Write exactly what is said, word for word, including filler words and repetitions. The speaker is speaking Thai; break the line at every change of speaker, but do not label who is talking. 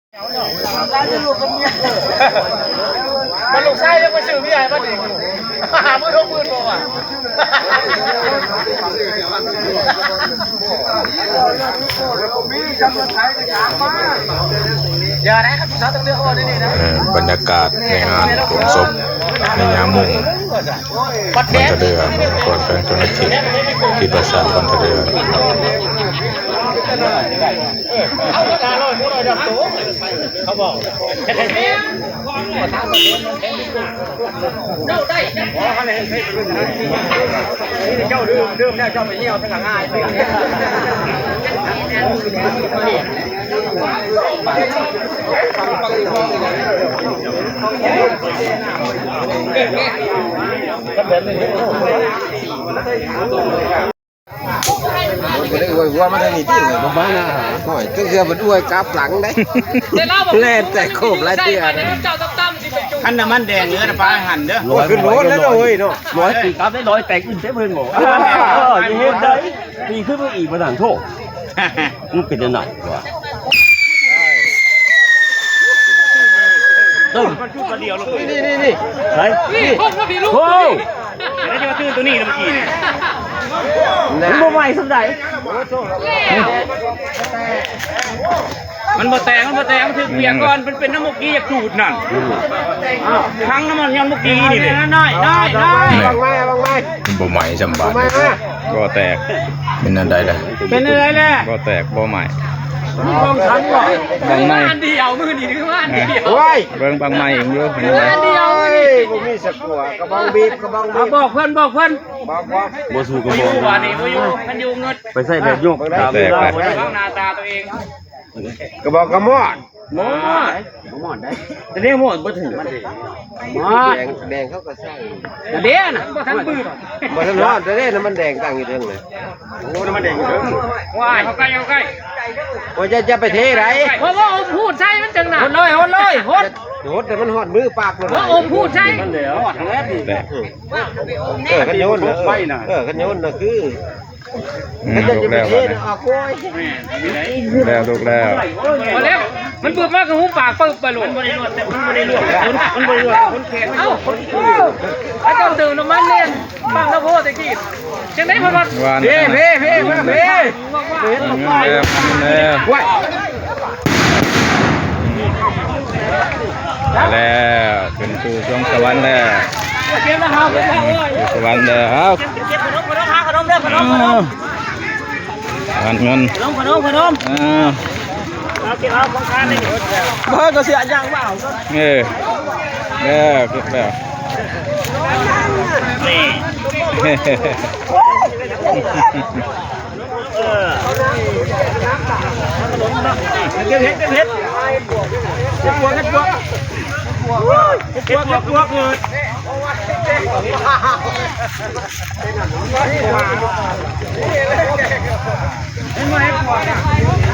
มันลูกชายยังมาซื้อพี่ใหญ่มาดิหามือทุกมือตัวอ่ะอย่าได้ครับพี่สาวต้องเลือกเอาได้นี่นะ
บรรยากาศในงานโรงศพในยามมุ่งคนทะเดือก่อนเป็นเจ้าหน้าที่ที่ประสานคนทะเดือ
เอากระดาษลอยมือลอยดำตัวเขาบอกเจ้าได้เจ้าดื่มดื่มแล้วเจ้าไปเยี่ยวทั้งง่าย
ก็ได้อวยวัวมาทางนี้ที่เลยบ้านนะหน่อยก็คือมันอวยกลับหลังได้เล่นแต่โคบไรเตี้ยขันน้ำมันแดงเนื้อปลาหั่นเด้อขึ้นรถแล้วเลยเนาะ
ร้อยปีกลับได้ร้อยแตกอื่นได้เพิ่งหมดเออยังเห็นได้ปีขึ้นมาอีกมาต่างโทษมันเป็นยังไงวะตึ้งมันชุดเดียวลงนี่นี่นี่ไหนนี่โอ้โหแล้วจะมาตื้นตัวนี้เมื่อกี้มันโมใหม่สำหรับมันมาแตงมันมาแตงมันถือเปียกก่อนมันเป็นน้ำมุกี้อยากดูดนั่นทั้งน้ำมันยันมุกี้นี่เลยน้อยน้อยน้อยบางไม้บางไม้
บ่ใหม่จำบาดก็แตกเป็นอะไรล่ะ
เป็นอะไรล่ะ
ก็แตกบ่ใหม่
มีกองทันก่อนบางไม้เดียวมือดีคือว่าเดียว
โอ้ยเบิ่งบางไม้เองเยอะเป็นอะไร
เดียว
บ่มีสักหัวกระบองบีบกระบองบีบ
บอกเพื่อนบอกเพื่อน
บอกบอก
บ่สู้กับบ่ว่านี่บ่อยู่มันอยู่เงินไปใส่แบบโยกตามเวลาบ่ได้หน้าตาตัวเอง
กระบอกกระมอด
มอดมอดได้แต่นี่มอดบ่ถึงมันดิมอด
แดงแดงเขาก็ใส่
เด้น่ะบ่ทันปื้ม
บ่ทันรอดแต่เด้น้ำมันแดงตั้งอยู่เทิงเลยโอ้น้ำมันแดงอยู่เทิง
ว้ายเข้าใกล้เข้าใกล้
ว่าจะจะไปเทไหน
เพราะว่าอมพูดใช่มันจังหนักหดเลยหดเลยหด
หดแต่มันหอดมือปากเลย
ว่าอมพูดใช่มันเดี๋ยวหดทั้งแรกนี่
เออขันโยนนะเออขันโยนนะคือขันจะจะไปเทนะออกโว้ย
แล้วลูกแล้ว
พอแล้วมันปืนมากกับหูปากปึ๊บไปหลุดมันบริรวดแต่มันบริรวดมันบริรวดคนแขนเอ้าคนไอ้เจ้าตื่นน้ำมันเล่นบังน้ำโพตะกี้จังได้พอด
เพ่เพ่เพ่เพ่เพ่
เห็นแล้วแล้วแล้วขึ้นสู่ช่วงสวรรค์แล้วสวรรค์แล้วครับขนมเด้อขนมขนมขนมเงิน
ขนมขนมขนมเอาเก็บเอาของทานเลยเฮ้ยก็เสียยังเปล่า
เออแล้วเก็บแล้ว
นี่เออเก็บเห็ดเก็บเห็ดเก็บพวกเก็บพวกเก็บพวกเก็บพวกเงินเห็นไหม